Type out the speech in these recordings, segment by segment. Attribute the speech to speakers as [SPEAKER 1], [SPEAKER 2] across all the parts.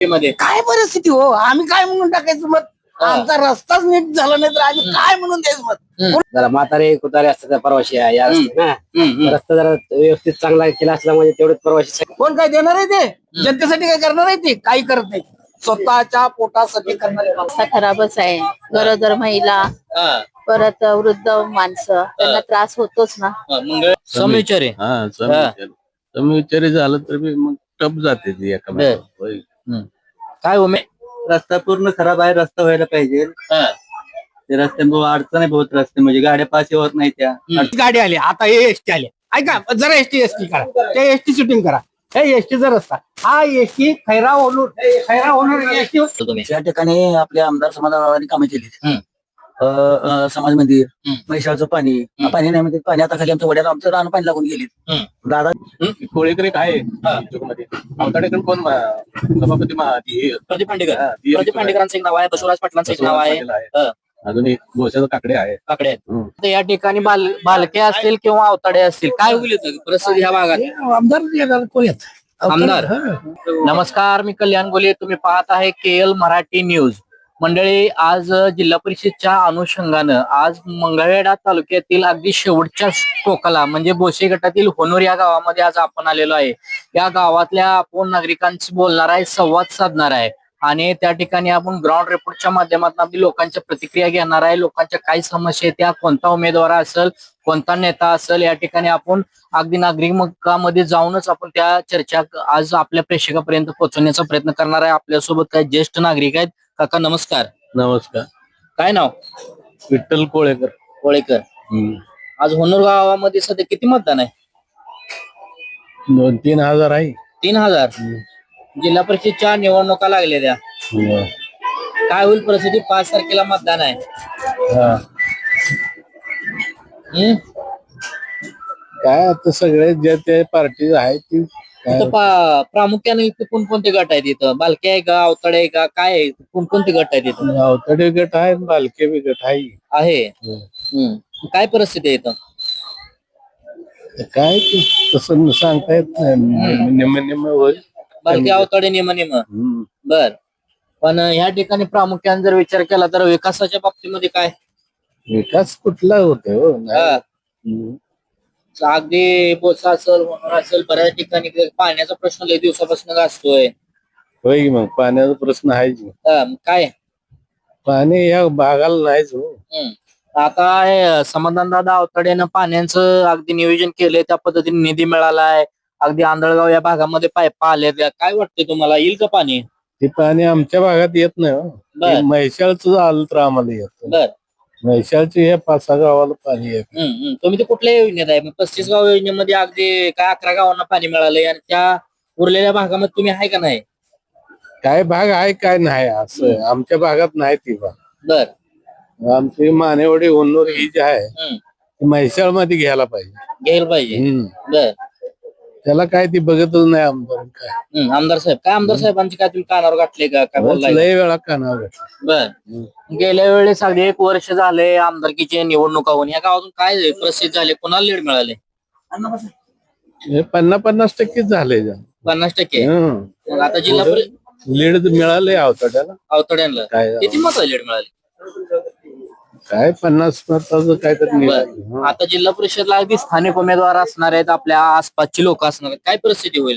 [SPEAKER 1] मध्ये
[SPEAKER 2] काय परिस्थिती हो, आम्ही काय म्हणून टाकायचं मत? आमचा रस्ताच नीट झाला नाही तर आम्ही काय म्हणून द्यायचं मत?
[SPEAKER 3] जरा म्हातारे कुतारे असतात प्रवासी आहे या असते ना रस्ता जरा व्यवस्थित चांगला केला असला म्हणजे तेवढेच प्रवासी
[SPEAKER 2] कोण काय देणार आहे ते? जनतेसाठी काय करणार आहे ते? काही करत नाही, स्वतःच्या पोटासाठी करणार आहे.
[SPEAKER 4] रस्ता खराबच आहे. गरोदर महिला, परत वृद्ध माणसं त्यांना त्रास होतोच ना.
[SPEAKER 1] मंगळ समविचारी
[SPEAKER 5] समविचारी झालं तर मग टप जाते ती एका
[SPEAKER 1] काय उमे
[SPEAKER 6] रस्ता पूर्ण खराब आहे. रस्ता व्हायला पाहिजे. ते रस्त्यामुळे अडचण आहे बहुत. रस्ते म्हणजे गाड्या पास होत नाही त्या.
[SPEAKER 2] गाडी आली आता, हे एसटी आले. ऐका जरा एसटी करा, ते एसटी शूटिंग करा. हे एसटीचा रस्ता, हा एसटी खैरा होणार एसटी.
[SPEAKER 3] त्या ठिकाणी आपल्या आमदार समाजाने कामे केली. समाज मंदिर, म्हैसाळचं पाणी नाही म्हणजे पाणी आता खाली आमच्या वड्याला आमचं रान पाणी लागून गेली. दादा
[SPEAKER 5] कोळेकर एक आहे अवताडेकर कोण सभापती
[SPEAKER 1] प्रदीप पांडेकरांचं एक नाव आहे, बसवराज पाटलांचं एक नाव आहे,
[SPEAKER 5] अजून एक गोशाचा काकडे आहे.
[SPEAKER 1] काकडे आहेत. तर या ठिकाणी बालके असतील किंवा अवताडे असतील, काय होईल परिस्थिती ह्या भागात?
[SPEAKER 2] आमदार कोण येत?
[SPEAKER 1] आमदार नमस्कार, मी कल्याण गोले, तुम्ही पाहत आहे KL मराठी न्यूज. मंडळी, आज जिल्हा परिषदच्या अनुषंगानं आज मंगळवेढा तालुक्यातील अगदी शेवटच्या टोकाला म्हणजे बोसे गटातील होनूर या गावामध्ये आज आपण आलेलो आहे. या गावातल्या आपण नागरिकांशी बोलणार आहे, संवाद साधणार आहे आणि त्या ठिकाणी आपण ग्राउंड रिपोर्टच्या माध्यमातून आपली लोकांच्या प्रतिक्रिया घेणार आहे. लोकांच्या काय समस्या आहेत, त्या कोणता उमेदवार असेल, कोणता नेता असेल, या ठिकाणी आपण अगदी नागरिकांमध्ये जाऊनच आपण त्या चर्चा आज आपल्या प्रेक्षकापर्यंत पोहोचवण्याचा प्रयत्न करणार आहे. आपल्यासोबत काही ज्येष्ठ नागरिक आहेत. काका नमस्कार.
[SPEAKER 5] नमस्कार.
[SPEAKER 1] काय नाव?
[SPEAKER 5] विठ्ठल कोळेकर.
[SPEAKER 1] आज होनूर गावामध्ये सध्या किती मतदान आहे?
[SPEAKER 5] 2-3 हजार आहे.
[SPEAKER 1] 3000. जिल्हा परिषदच्या निवडणुका लागल्या त्या, काय होईल परिस्थिती? 5 तारखेला मतदान आहे.
[SPEAKER 5] काय आता सगळे जे ते पार्टी आहे ती
[SPEAKER 1] प्रामुख्याने इथे कोणकोणते गट आहेत? इथं बालके आहे का, अवताडे आहे का, काय आहे? कोणकोणते गट आहेत इथं?
[SPEAKER 5] अवतडे गट आहे, बालके बी गट आहे.
[SPEAKER 1] काय परिस्थिती आहे इथं?
[SPEAKER 5] काय ते तसं सांगता येत नाही. निम्म होईल.
[SPEAKER 1] बालके अवताडे निम बर. पण ह्या ठिकाणी प्रामुख्याने जर विचार केला तर विकासाच्या बाबतीमध्ये काय?
[SPEAKER 5] विकास कुठला होतो हो?
[SPEAKER 1] अगदी बोसा असेल, होणार असेल, बऱ्याच ठिकाणी पाण्याचा प्रश्न लय दिवसापासून असतोय.
[SPEAKER 5] होय मग पाण्याचा प्रश्न आहेच.
[SPEAKER 1] काय
[SPEAKER 5] पाणी या भागाला नाहीच हो.
[SPEAKER 1] आता हे समाधानदादा अवताडेनं पाण्याचं अगदी नियोजन केलंय, त्या पद्धतीने निधी मिळालाय. अगदी आंधळगाव या भागामध्ये पाईप आले. काय वाटतंय तुम्हाला, येईल का पाणी?
[SPEAKER 5] ते पाणी आमच्या भागात येत नाही हो. म्हैसाळचं आलं तर आम्हाला येत.
[SPEAKER 1] बर.
[SPEAKER 5] म्हैसाळची हे 5-6 गावाला पाणी येत.
[SPEAKER 1] तुम्ही ते कुठल्या योजनेत आहे? 35 गाव योजनेमध्ये अगदी काय 11 गावांना पाणी मिळालंय आणि त्या उरलेल्या भागामध्ये तुम्ही आहे का नाही?
[SPEAKER 5] काय भाग आहे काय नाही असं आमच्या भागात नाही ती भाग.
[SPEAKER 1] बर.
[SPEAKER 5] आमची मानेवडी होनूर ही जी आहे ती म्हैसाळ मध्ये घ्यायला पाहिजे.
[SPEAKER 1] बर.
[SPEAKER 5] त्याला काय ती बघतच नाही आमदार. काय
[SPEAKER 1] आमदार साहेबांची काय तुम्ही कानावर गाठले का? काय बोललाय?
[SPEAKER 5] लय वेळा कानावर.
[SPEAKER 1] बर. गेल्या वेळेस अगदी 1 वर्ष झाले आमदारकीचे निवडणुका होऊन या गावातून काय प्रसिद्ध झाले, कोणाला लीड मिळाले?
[SPEAKER 5] हे 50-50% झाले.
[SPEAKER 1] 50%. मग आता जिल्हा
[SPEAKER 5] लीड मिळाले
[SPEAKER 1] अवतड्यांना
[SPEAKER 5] काय
[SPEAKER 1] किती मत लीड मिळाले?
[SPEAKER 5] काय 50 मताचं काय तर.
[SPEAKER 1] आता जिल्हा परिषदला अगदी स्थानिक उमेदवार असणार आहेत, आपल्या आसपासची लोक असणार आहेत, काय परिस्थिती होईल?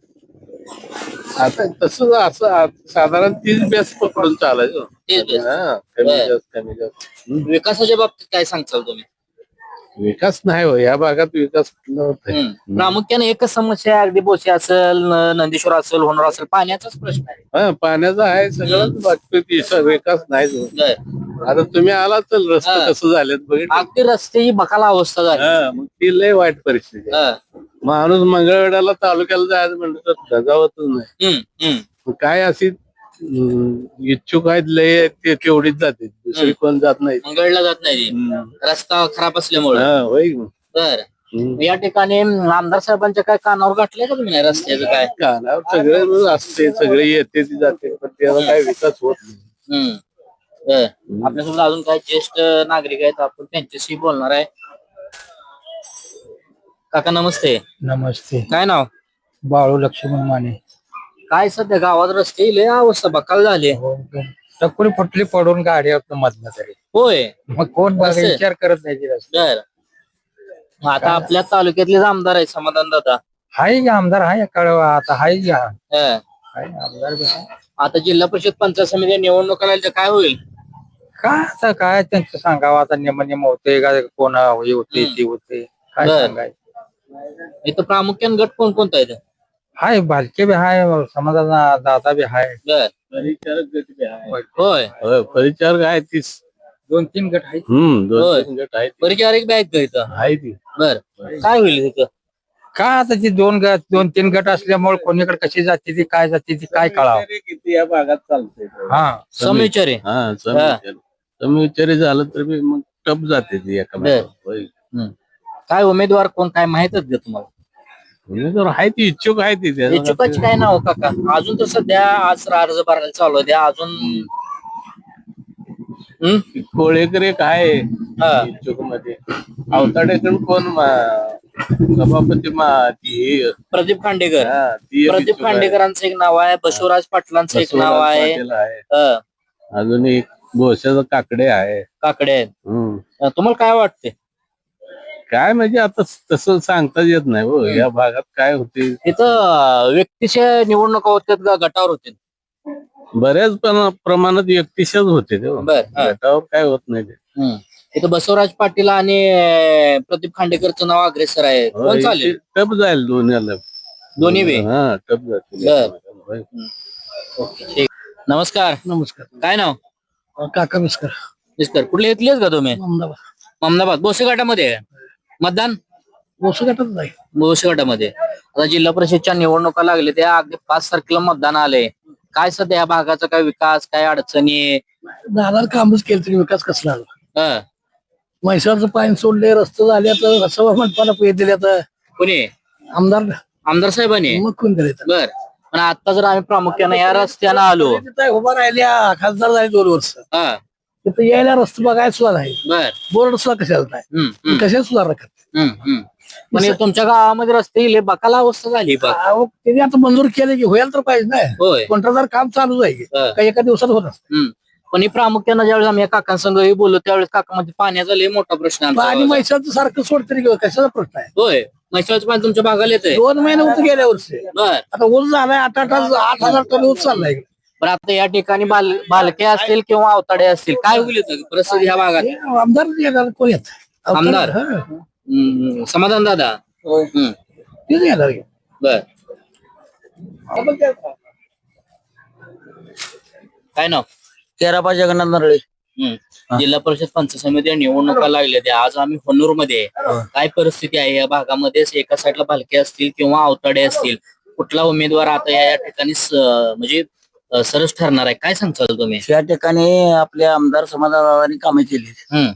[SPEAKER 5] आता तसं असं साधारण 30 बेस पकडून चालायचं.
[SPEAKER 1] 30
[SPEAKER 5] कमी जास्त.
[SPEAKER 1] विकासाच्या बाबतीत काय सांगचाल तुम्ही?
[SPEAKER 5] विकास नाही हो या भागात. विकास कुठला होत?
[SPEAKER 1] प्रामुख्याने एकच समस्या आहे, अगदी बोसे असेल, नंदीश्वर असेल, होणार असेल, पाण्याचाच प्रश्न आहे.
[SPEAKER 5] पाण्याचा आहे सगळंच बाकी विकास नाही. आता तुम्ही आला तर रस्ते कसं झालेत बघितलं.
[SPEAKER 1] अगदी रस्त्याची बकाला अवस्था झाली.
[SPEAKER 5] मग ती लय वाईट परिस्थिती. माणूस मंगळवेढ्याला तालुक्याला जायचं म्हणलं तर धजावतच नाही. काय अशी इच्छुक आहेत लय ते तेवढीच जाते, दुसरी कोण जात नाही.
[SPEAKER 1] मंगळला जात नाही, रस्ता खराब असल्यामुळे.
[SPEAKER 5] होय.
[SPEAKER 1] तर या ठिकाणी आमदार साहेबांच्या काय कानावर गाठले का तुम्ही नाही रस्त्याचं? काय
[SPEAKER 5] कानावर सगळे असते, सगळे येते ती जाते, पण त्याला काय विकास होत नाही.
[SPEAKER 1] आपल्यासोबत अजून काही ज्येष्ठ नागरिक आहेत, आपण त्यांच्याशी बोलणार आहे. काका नमस्ते.
[SPEAKER 2] नमस्ते.
[SPEAKER 1] काय नाव?
[SPEAKER 2] बाळू लक्ष्मण माने.
[SPEAKER 1] काय सध्या गावात रस्ते लय अवस्था बकाल झाली
[SPEAKER 2] टक्कुरी फुटली पडून गाडी मधनं तरी
[SPEAKER 1] होय
[SPEAKER 2] मग कोण बघा,
[SPEAKER 1] असं?
[SPEAKER 2] विचार करत नाही ते रस्ते.
[SPEAKER 1] बर मग आता आपल्या तालुक्यातलेच आमदार आहे समाधान दादा
[SPEAKER 2] हाय की आमदार हाय कळवा आता हाय की हाय आमदार बी हाय.
[SPEAKER 1] आता जिल्हा परिषद पंचायत समिती निवडणुका लागल्या तर काय होईल
[SPEAKER 2] काय आता काय त्यांचं सांगावं आता नेम होते का कोण हे होते ते होते काय
[SPEAKER 1] बर.
[SPEAKER 2] सांगायचं.
[SPEAKER 1] इथं प्रामुख्याने गट कोणकोणता आहे
[SPEAKER 2] हाय भालके बी हाय समाधान दादा बी हाय
[SPEAKER 1] बर
[SPEAKER 5] परिचारक गट बी आहे.
[SPEAKER 1] होय
[SPEAKER 5] होय, परिचारक आहे तीस
[SPEAKER 2] 2-3 गट आहेत.
[SPEAKER 1] होय.
[SPEAKER 5] दोन तीन गट आहेत
[SPEAKER 1] परिचारिक बी आहेत का इथं
[SPEAKER 5] आहे ती
[SPEAKER 1] बर काय होईल तिथं
[SPEAKER 2] काय आता ती 2-3 गट असल्यामुळे कोणीकडे कशी जाते ती काय जाते ती काय कळावं.
[SPEAKER 5] किती या भागात चालतंय
[SPEAKER 2] हा
[SPEAKER 1] समविचार आहे
[SPEAKER 5] हा समविचारी झालं तर बी मग टप जाते ती एका
[SPEAKER 1] बर.
[SPEAKER 5] होय.
[SPEAKER 1] काय उमेदवार कोण काय माहितच का तुम्हाला
[SPEAKER 5] उमेदवार आहे ती इच्छुक आहे ती त्याला
[SPEAKER 1] इच्छुकाची काय नाव काका अजून तर सध्या आज अर्ज भरायला चालू आहे अजून
[SPEAKER 5] कोळेकर एक आहे
[SPEAKER 1] हा.
[SPEAKER 5] इच्छुक मध्ये अवताडेकडून कोण सभापती ती
[SPEAKER 1] प्रदीप खांडेकर
[SPEAKER 5] हा, ती एक
[SPEAKER 1] प्रदीप
[SPEAKER 5] इच्छुक आहे.
[SPEAKER 1] खांडेकरांचं एक नाव आहे बसवराज पाटलांचं एक नाव
[SPEAKER 5] बसवराज
[SPEAKER 1] आहे
[SPEAKER 5] पाटील आहे
[SPEAKER 1] हं,
[SPEAKER 5] अजून एक भोश्याचा काकडे आहे
[SPEAKER 1] काकडे आहेत
[SPEAKER 5] हम्म.
[SPEAKER 1] तुम्हाला काय वाटते
[SPEAKER 5] काय म्हणजे आता तसं सांगताच येत नाही हो या भागात काय होते
[SPEAKER 1] इथं व्यक्तीच्या निवडणुका होत्यात का गटावर होते
[SPEAKER 5] बऱ्याच प्रमाणात व्यक्तिशच होते ते हो.
[SPEAKER 1] बर हा.
[SPEAKER 5] गटावर काय होत नाही ते
[SPEAKER 1] इथं बसवराज पाटील आणि प्रदीप खांडेकरचं नाव अग्रेसर आहे कोण चालेल
[SPEAKER 5] टप जाईल दोन्हीला
[SPEAKER 1] दोन्ही बी
[SPEAKER 5] हा टप जातील
[SPEAKER 1] बर. ठीक. नमस्कार
[SPEAKER 2] नमस्कार
[SPEAKER 1] काय नाव
[SPEAKER 2] काका मिस्कर
[SPEAKER 1] मिस्टर कुठले इथलेच का तुम्ही
[SPEAKER 2] अहमदाबाद
[SPEAKER 1] अहमदाबाद बोसे गटामध्ये आहे. मतदान
[SPEAKER 2] वसू गटात नाही
[SPEAKER 1] बोसे गटामध्ये आता जिल्हा परिषदच्या निवडणुका लागले त्या अगदी 5 तारखेला मतदान आले काय सध्या या भागाचा काय विकास काय अडचणी
[SPEAKER 2] दादा कामच केलं तरी विकास कसला आला
[SPEAKER 1] हं,
[SPEAKER 2] म्हैसाळचं पाणी सोडले रस्ते झाले आता सभा मंडपाला पैसे दिले आता
[SPEAKER 1] कोणी
[SPEAKER 2] आमदार
[SPEAKER 1] आमदार साहेबांनी
[SPEAKER 2] मग कोण करायचं
[SPEAKER 1] बर पण आता जर आम्ही प्रामुख्याने या रस्त्यानं आलो
[SPEAKER 2] तिथं उभा राहिल्या खासदार झाले 2 वर्ष
[SPEAKER 1] हा
[SPEAKER 2] तिथं यायला रस्ते बघायला सुद्धा नाही
[SPEAKER 1] बर
[SPEAKER 2] बोर्ड सुद्धा कशाला नाही
[SPEAKER 1] हम्म, हम्म,
[SPEAKER 2] कशा सुधारणा करते
[SPEAKER 1] हम्म. पण हे तुमच्या गावामध्ये रस्ते इले बकाला अवस्था झाली बघ
[SPEAKER 2] त्यांनी आता मंजूर केले की होईल तर पाहिजे नाही
[SPEAKER 1] होय
[SPEAKER 2] कंत्राटदार काम चालू जाईल
[SPEAKER 1] हा.
[SPEAKER 2] काही एका दिवसात होत असतं
[SPEAKER 1] हम्म. पण हे प्रामुख्यानं ज्यावेळेस आम्ही या काकांसंगही बोललो त्यावेळेस काकामध्ये पाण्याचा लय मोठा प्रश्न आहे आमच्या
[SPEAKER 2] आणि
[SPEAKER 1] गावात.
[SPEAKER 2] म्हैसाळचं सारखं सोड तरी कशाचा प्रश्न आहे
[SPEAKER 1] होय म्हैसाळचं पाणी तुमच्या भागाला येतंय
[SPEAKER 2] 2 महिने होत गेल्या वर्षी
[SPEAKER 1] बर
[SPEAKER 2] आता ऊस झालाय 8,000 टन ऊस चाललाय
[SPEAKER 1] पण आता या ठिकाणी बालके असतील किंवा अवताडे असतील काय होईल इथं परिस्थिती ह्या भागात
[SPEAKER 2] हे आमदार येणार कोण येत
[SPEAKER 1] आमदार?
[SPEAKER 2] हा.
[SPEAKER 1] समाधान दादा हम्म.
[SPEAKER 2] तेच येणार की.
[SPEAKER 1] बर काय नाव
[SPEAKER 3] तेराबा जगन्नाथ नरळे
[SPEAKER 1] जिल्हा परिषद पंचायत समिती निवडणुका लागल्या त्या आज आम्ही होनूर मध्ये आहे. काय परिस्थिती आहे या भागामध्ये एका साईडला भालके असतील किंवा अवताडे असतील कुठला उमेदवार आता या ठिकाणी म्हणजे सरस ठरणार आहे काय सांगताल तुम्ही
[SPEAKER 3] या ठिकाणी आपल्या आमदार समाधानाने कामे केली
[SPEAKER 1] हम्म,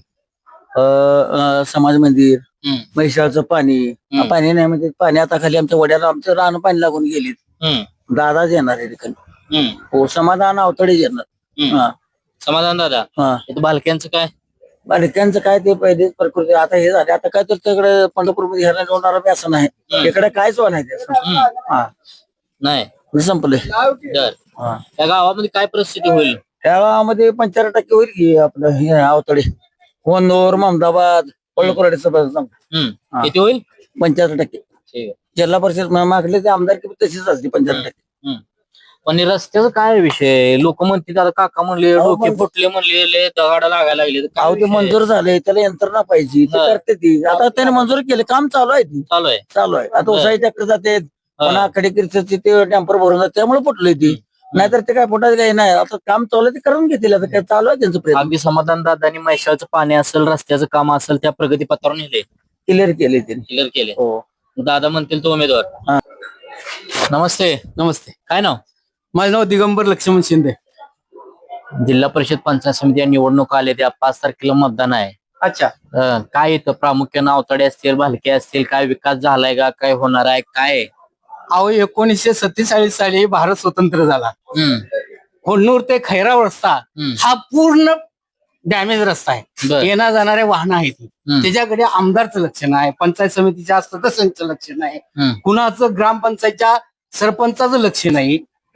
[SPEAKER 3] समाज मंदिर
[SPEAKER 1] हम्म,
[SPEAKER 3] म्हैसाळचं पाणी पाणी नाही म्हणजे पाणी आता खाली आमच्या वड्याला आमचं रान पाणी लागून गेली
[SPEAKER 1] हम्म,
[SPEAKER 3] दादाच येणार आहे ठिकाणी
[SPEAKER 1] हम्म,
[SPEAKER 3] हो समाधान अवतडेच येणार
[SPEAKER 1] हम्म.
[SPEAKER 3] हा
[SPEAKER 1] समाधान दादा
[SPEAKER 3] हा
[SPEAKER 1] इथं बालक्यांचं काय
[SPEAKER 3] आणि त्यांचं काय ते पहिलेच प्रकृती आता हे झाले आता काय तर तिकडे पंढरपूरमध्ये ह्याला जोडणार बी असं नाही इकडे कायच नाही त्याचं हा
[SPEAKER 1] नाही
[SPEAKER 3] संपले
[SPEAKER 1] तर
[SPEAKER 3] हा
[SPEAKER 1] त्या गावामध्ये काय परिस्थिती होईल
[SPEAKER 3] त्या गावामध्ये 75% होईल की आपलं हे अवतडे कोंदूर ममदाबाद पळकोरडेचं
[SPEAKER 1] हम्म.
[SPEAKER 3] हा.
[SPEAKER 1] किती होईल
[SPEAKER 3] 75%
[SPEAKER 1] ठीक आहे
[SPEAKER 3] जिल्हा परिषद मागले ते आमदारकी तशीच असते 75%.
[SPEAKER 1] हम्म. पण हे रस्त्याचा काय विषय लोक म्हणतील आता काका म्हणले
[SPEAKER 3] अहो,
[SPEAKER 1] डोके फुटले म्हणले लय दगाड लागायला लागले तर काय
[SPEAKER 3] अहो ते
[SPEAKER 1] विषय?
[SPEAKER 3] मंजूर झाले त्याला यंत्रणा पाहिजे ते
[SPEAKER 1] हा.
[SPEAKER 3] करते ती आता त्याने मंजूर केले काम चालू आहे ती
[SPEAKER 1] चालू आहे
[SPEAKER 3] चालू आहे आता
[SPEAKER 1] हा.
[SPEAKER 3] उसाई ट्रॅक्टर जाते पुन्हा खडेकिरचे ते टॅम्पर भरून जाते त्यामुळे फुटले ती नाहीतर ते काय फुटायचं काही नाही आता काम चालू आहे ते करून घेतील आता काय चालू आहे त्यांचं प्रयत्न
[SPEAKER 1] अगदी समाधान दादानी मैशाचं पाणी असेल रस्त्याचं काम असेल त्या प्रगती पत्रावर नेले
[SPEAKER 3] क्लिअर केले त्यांनी
[SPEAKER 1] क्लिअर केले
[SPEAKER 3] हो
[SPEAKER 1] दादा म्हणतील तो उमेदवार
[SPEAKER 3] हा.
[SPEAKER 1] नमस्ते
[SPEAKER 2] नमस्ते
[SPEAKER 1] काय नाव
[SPEAKER 2] माझं नाव दिगंबर लक्ष्मण शिंदे
[SPEAKER 1] जिल्हा परिषद पंचायत समिती निवडणूक आले त्या 5 तारखेला मतदान आहे
[SPEAKER 2] अच्छा
[SPEAKER 1] काय येतं प्रामुख्यानं अवताडे असतील भालके असतील काय विकास झालाय का काय होणार आहे काय
[SPEAKER 2] अहो 1947 साली भारत स्वतंत्र झाला
[SPEAKER 1] हम्म,
[SPEAKER 2] होन्नूर ते खैराव रस्ता
[SPEAKER 1] हम्म.
[SPEAKER 2] हा पूर्ण डॅमेज रस्ता आहे
[SPEAKER 1] बर.
[SPEAKER 2] येणार जाणारे वाहन आहेत
[SPEAKER 1] हम्म.
[SPEAKER 2] त्याच्याकडे आमदारचं लक्ष नाही पंचायत समितीच्या सदस्यांचं लक्ष नाही
[SPEAKER 1] हम्म.
[SPEAKER 2] कुणाचं ग्रामपंचायतच्या सरपंचाचं लक्ष नाही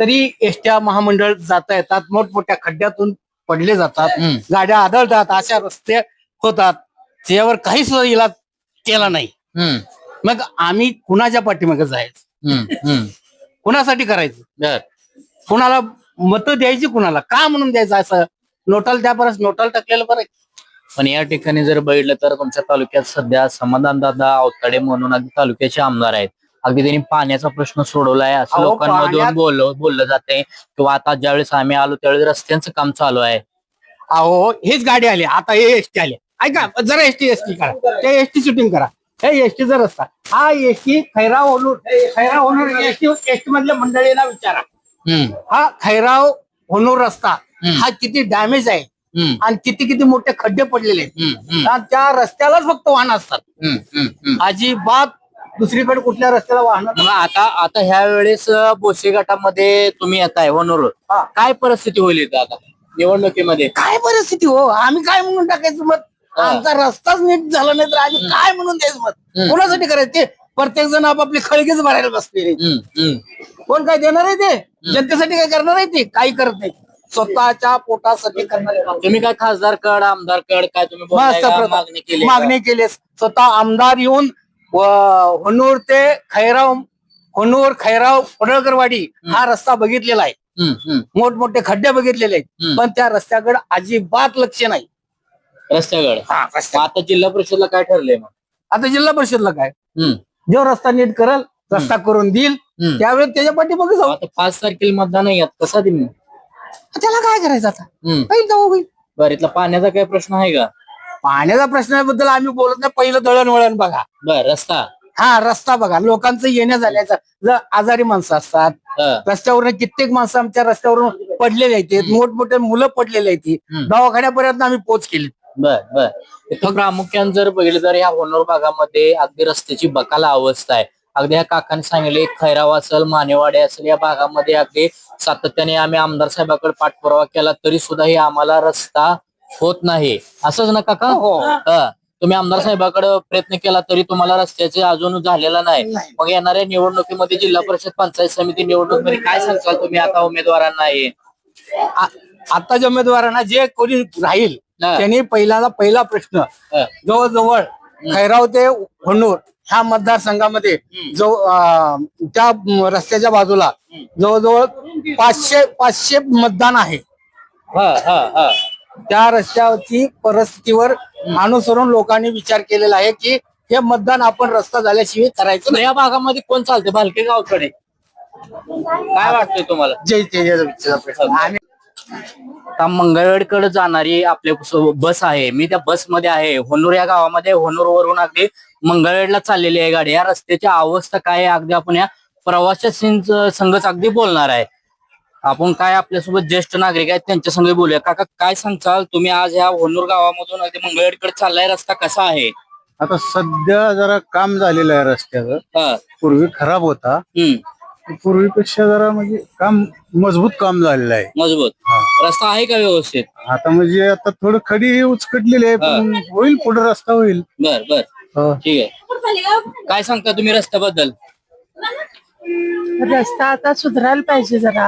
[SPEAKER 2] तरी एसट्या महामंडळ जाता येतात, मोठमोठ्या खड्ड्यातून पडले जातात, गाड्या आदळतात, अशा रस्ते होतात, त्यावर काही सुद्धा इलाज केला नाही. मग आम्ही कुणाच्या पाठीमागे जायचं, कुणासाठी करायचं, कुणाला मतं द्यायची, कुणाला का म्हणून द्यायचं, असं नोटाल त्यापर्यंत नोटाल टाकलेलं बरं.
[SPEAKER 1] पण या ठिकाणी जर बघितलं तर तुमच्या तालुक्यात सध्या समाधानदादा अवताडे म्हणून अगदी तालुक्याचे आमदार आहेत. अगदी त्यांनी पाण्याचा प्रश्न सोडवलाय असं
[SPEAKER 2] अहो,
[SPEAKER 1] लोकांमधून बोललं जाते. किंवा आता ज्यावेळेस आम्ही आलो त्यावेळेस रस्त्यांचं काम चालू आहे.
[SPEAKER 2] अहो हेच गाडी आली, आता हे एसटी आले. ऐका जरा एसटी करा, ते एसटी शूटिंग करा. हे एसटीचा रस्ता, हा एसटी खैराव होणूर एसटी मधल्या मंडळींना विचारा. हा खैराव होणूर रस्ता हा किती डॅमेज आहे आणि किती किती मोठे खड्डे पडलेले आहेत. आणि त्या रस्त्यालाच फक्त वाहन असतात, अजिबात दुसरीकडे कुठल्या रस्त्याला वाहन.
[SPEAKER 1] मग आता ह्या वेळेस बोसे गटामध्ये तुम्ही येताय होणूर, काय परिस्थिती होईल इथं आता निवडणुकीमध्ये?
[SPEAKER 2] काय परिस्थिती हो, आम्ही काय म्हणून टाकायचं मत? आमचा रस्ताच नीट झाला नाही तर आम्ही काय म्हणून द्यायचं मत? कोणासाठी करायचं? ते प्रत्येक जण आपापली खळगीच भरायला बसलेले. कोण काय देणार आहे? ते जनतेसाठी काय करणार आहे? ते काही करत नाही, स्वतःच्या पोटासाठी करणार.
[SPEAKER 1] तुम्ही काय खासदार कड आमदार कड काय तुम्ही बोलताय का? मागणी केली?
[SPEAKER 2] मागणी केली. स्वतः आमदार येऊन होणूर ते खैराव, होणूर खैराव पडळकरवाडी हा रस्ता बघितलेला आहे, मोठमोठे खड्डे बघितलेले आहेत, पण त्या रस्त्याकडे अजिबात लक्ष नाही.
[SPEAKER 1] रस्त्याकडे आता जिल्हा परिषदला काय ठरलंय मग?
[SPEAKER 2] आता जिल्हा परिषदला काय, जो रस्ता नीट करल, रस्ता करून देईल, त्यावेळेस त्याच्या पाठीमागे जाऊ.
[SPEAKER 1] आता 5 तारखेला मतदान आहे, कसा देईल?
[SPEAKER 2] त्याला काय करायचं आता? होईल जाऊ होईल.
[SPEAKER 1] बरं, इथला पाण्याचा काय प्रश्न आहे का?
[SPEAKER 2] पाण्याच्या प्रश्नाबद्दल आम्ही बोलत नाही. पहिलं दळणवळण बघा.
[SPEAKER 1] बर, रस्ता
[SPEAKER 2] हा रस्ता बघा, लोकांचं येण्या जाण्याचं. जर आजारी माणसं असतात रस्त्यावरून, कित्येक माणसं आमच्या रस्त्यावरून पडलेले आहेत, मोठमोठे मुलं पडलेले आहेत, दवाखान्यापर्यंत आम्ही पोच केली.
[SPEAKER 1] बर इथं प्रामुख्याने जर बघितलं तर या होणूर भागामध्ये अगदी रस्त्याची बकाला अवस्था आहे. अगदी ह्या काकांनी सांगितले खैराव असेल, मानेवाडे असेल, या भागामध्ये अगदी सातत्याने आम्ही आमदार साहेबांकडे पाठपुरावा केला तरी सुद्धा हे आम्हाला रस्ता होत नाही. असंच ना काका? तुम्ही आमदार साहेबांकडे प्रयत्न केला तरी तुम्हाला रस्त्याचे अजून झालेला नाही. मग येणाऱ्या निवडणुकीमध्ये जिल्हा परिषद पंचायत समिती निवडणुकीमध्ये काय सांगताल तुम्ही आता उमेदवारांना?
[SPEAKER 2] आताच्या उमेदवारांना जे कोणी राहील त्यांनी पहिला प्रश्न, जवळजवळ खैराव ते होणूर ह्या मतदारसंघामध्ये त्या रस्त्याच्या बाजूला जवळजवळ 500 मतदान आहे. त्या रस्त्याची परिस्थितीवर अनुसरून लोकांनी विचार केलेला आहे की हे मतदान आपण रस्ता झाल्याशिवाय करायचं.
[SPEAKER 1] या भागामध्ये कोण चालते? भालके गावकडे काय वाटतंय तुम्हाला?
[SPEAKER 2] जय
[SPEAKER 1] आता मंगळवेढकडे जाणारी आपल्या बस आहे, मी त्या बसमध्ये आहे. होणूर या गावामध्ये, होणूर वरून अगदी मंगळवेढला चाललेली आहे गाडी. या रस्त्याची अवस्था काय आहे अगदी आपण या प्रवाशांच्या संघच अगदी बोलणार आहे. आपण काय आपल्यासोबत ज्येष्ठ नागरिक आहेत त्यांच्या संग बोलूया. काका काय सांगचाल तुम्ही? आज ह्या होणूर गावामधून अगदी मंगळवेढकडे चाललाय, रस्ता कसा आहे?
[SPEAKER 5] आता सध्या जरा काम झालेलं आहे रस्त्याचं. पूर्वी खराब होता, पूर्वीपेक्षा जरा म्हणजे काम मजबूत काम झालेलं आहे.
[SPEAKER 1] मजबूत रस्ता आहे का व्यवस्थित?
[SPEAKER 5] आता म्हणजे आता थोडं खडी उचकटलेली आहे, पण होईल, पुढे रस्ता होईल.
[SPEAKER 1] बर ठीक आहे. काय सांगता तुम्ही रस्त्याबद्दल?
[SPEAKER 7] रस्ता आता सुधारायला पाहिजे जरा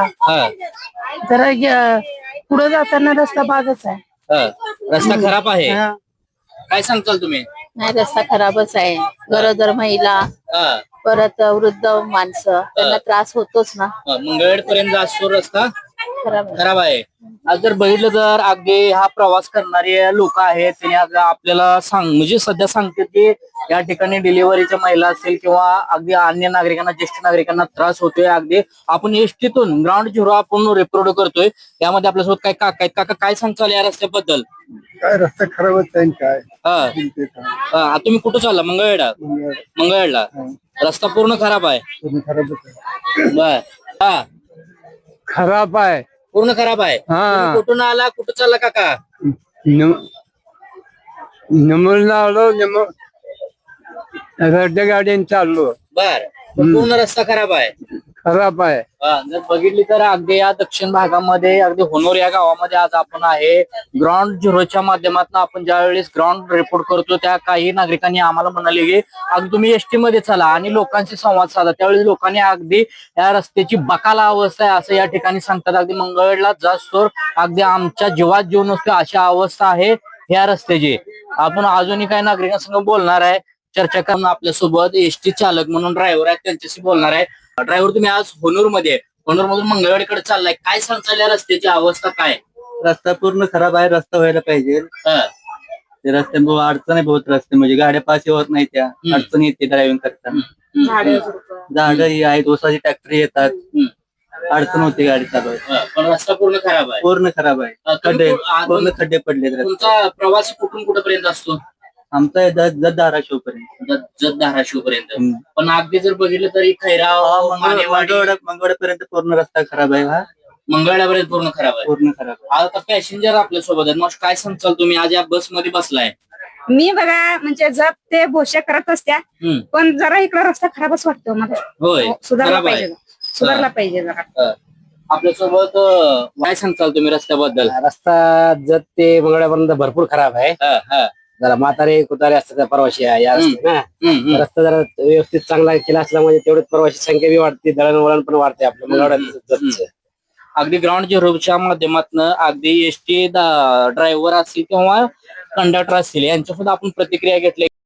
[SPEAKER 7] पुढे जाताना रस्ता बागच आहे.
[SPEAKER 1] रस्ता खराब आहे, काय सांगताल तुम्ही?
[SPEAKER 4] नाही, रस्ता खराबच आहे. गरोदर महिला, परत वृद्ध माणसं, त्यांना त्रास होतोच ना.
[SPEAKER 1] मंगळवेढ पर्यंत असतो रस्ता
[SPEAKER 4] खराब
[SPEAKER 1] आहे. आज जर बघितलं तर अगदी हा प्रवास करणारे लोक आहेत, त्यांनी आपल्याला म्हणजे सध्या सांगतात की या ठिकाणी डिलिव्हरीच्या महिला असतील किंवा अगदी अन्य नागरिकांना, ज्येष्ठ नागरिकांना त्रास होतोय. अगदी आपण एसटीतून ग्राउंड झिरो आपण रेप्रोड करतोय. यामध्ये आपल्यासोबत काय काका आहेत. काका काय सांगताल या रस्त्याबद्दल?
[SPEAKER 5] काय रस्ता खराबच आहे काय.
[SPEAKER 1] तुम्ही कुठं चालला? मंगळवेढला रस्ता पूर्ण खराब आहे. बर
[SPEAKER 5] खराब आहे,
[SPEAKER 1] पूर्ण खराब आहे. तुम्ही कुठून आला, कुठं चालला काका?
[SPEAKER 5] नमूला आलो, रद्द गाड्याने चाललो.
[SPEAKER 1] बर, पूर्ण रस्ता खराब आहे.
[SPEAKER 5] खराब आहे.
[SPEAKER 1] जर बघितली तर अगदी या दक्षिण भागामध्ये अगदी होनोर या गावामध्ये आज आपण आहे. ग्राउंड झिरोच्या माध्यमातून आपण ज्या वेळेस ग्राउंड रिपोर्ट करतो त्या काही नागरिकांनी आम्हाला म्हणाले की अगदी तुम्ही एसटी मध्ये चला आणि लोकांशी संवाद साधा. त्यावेळेस लोकांनी अगदी या रस्त्याची बकाला अवस्था आहे असं या ठिकाणी सांगतात. अगदी मंगळवेढला जास्तोर अगदी आमच्या जीवात जीव नसतो अशा अवस्था आहे या रस्त्याची. आपण अजूनही काही नागरिकांसंग बोलणार आहे, चर्चा करून आपल्यासोबत एसटी चालक म्हणून ड्रायव्हर आहेत त्यांच्याशी बोलणार आहे. ड्रायव्हर तुम्ही आज होनूर मध्ये होनूर मधून मंगळवेढीकडे चाललाय, काय सांगताल या रस्त्याची अवस्था काय?
[SPEAKER 6] रस्ता पूर्ण खराब आहे, रस्ता व्हायला पाहिजे. ते रस्त्यामुळे अडचण आहे बहुत रस्ते म्हणजे गाड्या पास होत नाही, त्या अडचण येते ड्रायव्हिंग करताना. झाड ही आहेत, ओसाची ट्रॅक्टर येतात, अडचण होते गाडी चालवायला.
[SPEAKER 1] पण रस्ता पूर्ण खराब आहे.
[SPEAKER 6] पूर्ण खराब आहे, खड्डे पूर्ण खड्डे पडले.
[SPEAKER 1] तुमचा प्रवास कुठून कुठपर्यंत असतो?
[SPEAKER 6] आमचा जत धाराशिव पर्यंत.
[SPEAKER 1] जत धाराशिव पर्यंत. पण अगदी जर बघितलं तरी खैराव
[SPEAKER 6] मंगळवाड्यापर्यंत पूर्ण रस्ता खराब आहे. हा
[SPEAKER 1] मंगळवाड्यापर्यंत पूर्ण खराब आहे.
[SPEAKER 6] पूर्ण खराब आहे.
[SPEAKER 1] आता पॅसेंजर आपल्या सोबत आहेत, मग काय सांगताल तुम्ही आज या बस मध्ये बसलाय?
[SPEAKER 8] मी बघा म्हणजे जर ते भोश्या करत असत्या पण जरा इकडं रस्ता खराबच वाटतो मला.
[SPEAKER 1] होय,
[SPEAKER 8] सुधारला
[SPEAKER 1] खराब आहे.
[SPEAKER 8] पाहिजे, सुधारला पाहिजे जरा.
[SPEAKER 1] आपल्यासोबत काय सांगताल तुम्ही रस्त्याबद्दल?
[SPEAKER 2] रस्ता जत ते मंगळवापर्यंत भरपूर खराब आहे. जरा म्हातारे कुतारे असतात त्या प्रवासी आहे या रस्त्यात. रस्ता जरा व्यवस्थित चांगला केला असल्यामुळे तेवढीच प्रवासी संख्या बी वाढते, दळणवळण पण वाढते आपल्या मंगळवाड्यात.
[SPEAKER 1] अगदी ग्राउंड झिरोच्या माध्यमातून अगदी एसटी ड्रायव्हर असतील किंवा कंडक्टर असतील यांच्या सुद्धा आपण प्रतिक्रिया घेतल्या.